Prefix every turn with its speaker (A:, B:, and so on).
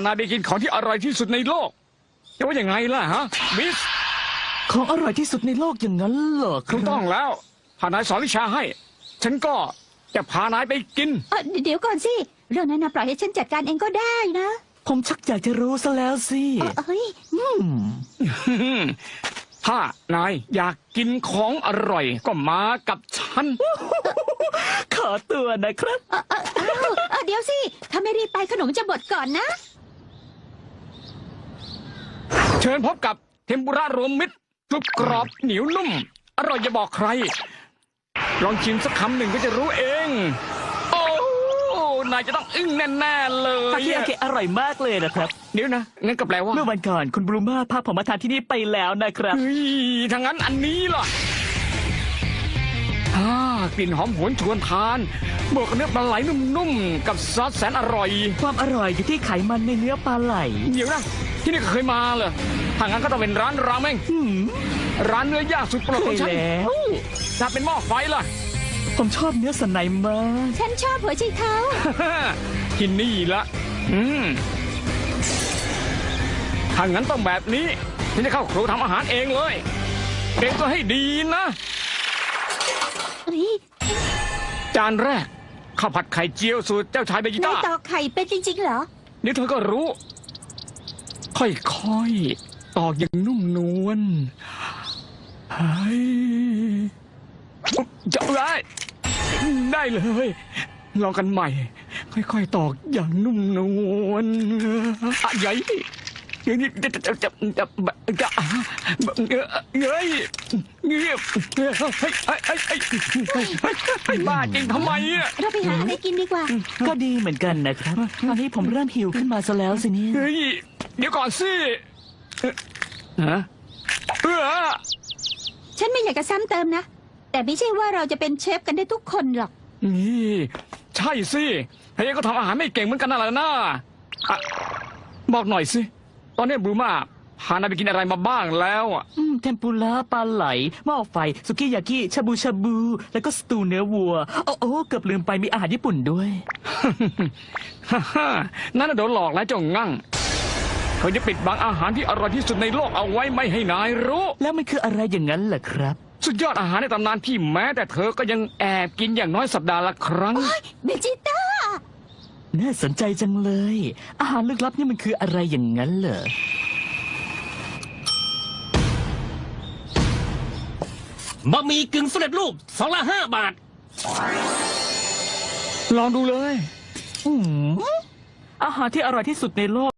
A: านายไปกินของที่อร่อยที่สุดในโลกจะว่ายังไงล่ะฮะบิส
B: ของอร่อยที่สุดในโลกอย่างนั้นเหรอค
A: ถู
B: รับ
A: กต้องแล้วพานายสอนวิชาให้ ฉันก็จะพานายไปกิน
C: เดี๋ยวก่อนสิเรื่องนั้นนะปล่อยให้ฉันจัดการเองก็ได้นะ
B: ผมชักอยากจะรู้ซะแล้วสิ
C: เอ้ย
A: ถ้านายอยากกินของอร่อยก็มากับฉัน
B: ขอตัวนะครับ
C: เดี๋ยวสิถ้าไม่รีบไปขนมจะบดก่อนนะ
A: เชิญพบกับเทมปุระรวมมิตรกรุบกรอบเหนียวนุ่ม อร่อยอย่าบอกใคร ลองชิมสักคำหนึ่งก็จะรู้เอง โอ้นายจะต้องอึ้งแน่ๆเล
B: ทาย คิอาเกะอร่อยมากเลยนะครับ
A: เดี๋ยวนะงั้นก็แปลว่า
B: เมื่อวันก่อนคุณบรูมาพาผมมาทานที่นี่ไปแล้วนะครับ
A: เฮ้ยทางนั้นอันนี้ล่ะกลิ่นหอมหวนชวนทาน บวกกับเนื้อปลาไหลนุ่มๆ กับซอสแสนอร่อย
B: ความอร่อยอยู่ที่ไขมันในเนื้อปลาไหล
A: เดี๋ยวนะ ที่นี่ก็เคยมาเหรอทางนั้นก็ต้องเป็นร้านราเมงร้านเนื้อย่างสุดโปรด
B: เค
A: ของ
B: ย
A: ฉัน
B: แล้ว
A: ถ้าเป็นหม้อไฟล่ะ
B: ผมชอบเนื้อสันในมาก
C: ฉันชอบหัวใจเท้า
A: ที่นี่ละถ้างั้นต้องแบบนี้ ฉันจะเข้าครัวทำอาหารเองเลยเตรียมตัวให้ดีนะ จานแรกข้าวผัดไข่เจียวสูตรเจ้าชายเบจิ
C: นาย
A: ต้า
C: ตอกไข่เป็นจริงๆเหรอ
A: เดี๋ยวเธอก็รู้ ค่อยๆ ตอกอย่างนุ่มนวลเฮ้ยจะได้เลย ลองกันใหม่ ค่อยๆ ตอกอย่างนุ่มนวลใหญ่อย่างนี้จะเฮ้ยเงียบบ้าจริงทำไมอ่ะ
C: เราไปหาอะไรกินดีกว่า
B: ก็ดีเหมือนกันนะครับ ตอนนี้ผมเริ่มหิวขึ้นมาซะแล้วสิเนี่ย
A: เฮ้ยเดี๋ยวก่อนสิฮะ
C: ฉันไม่อยากจะซ้ำเติมนะ แต่ไม่ใช่ว่าเราจะเป็นเชฟกันได้ทุกคนหรอก
A: นี่ใช่สิเฮ้ยก็ทำอาหารไม่เก่งเหมือนกันนั่นแหละนะบอกหน่อยสิ ตอนนี้บลูมาพานายไปกินอะไรมาบ้างแล้วอ่ะ
B: เทมปุระปลาไหลหม้อไฟ สุกิยากิชาบูชาบู แล้วก็สตูเนื้อวัว โอ้เกือบลืมไปมีอาหารญี่ปุ่นด้วย
A: นั่นน่ะโดนหลอกแล้วเจ้างั่งเขาจะปิดบังอาหารที่อร่อยที่สุดในโลกเอาไว้ไม่ให้นายรู้
B: แล้วมันคืออะไรอย่างนั้นเหรอครับ
A: สุดยอดอาหารในตำนานที่แม้แต่เธอก็ยังแอบกินอย่างน้อยสัปดาห์ละครั้ง
C: เบจิต้า
B: น่าสนใจจังเลย อาหารลึกลับนี่มันคืออะไรอย่างนั้นเหรอ
D: บะหมี่กึ่งสำเร็จรูป2 ละ 5 บาท
A: ลองดูเลย
B: อาหารที่อร่อยที่สุดในโลก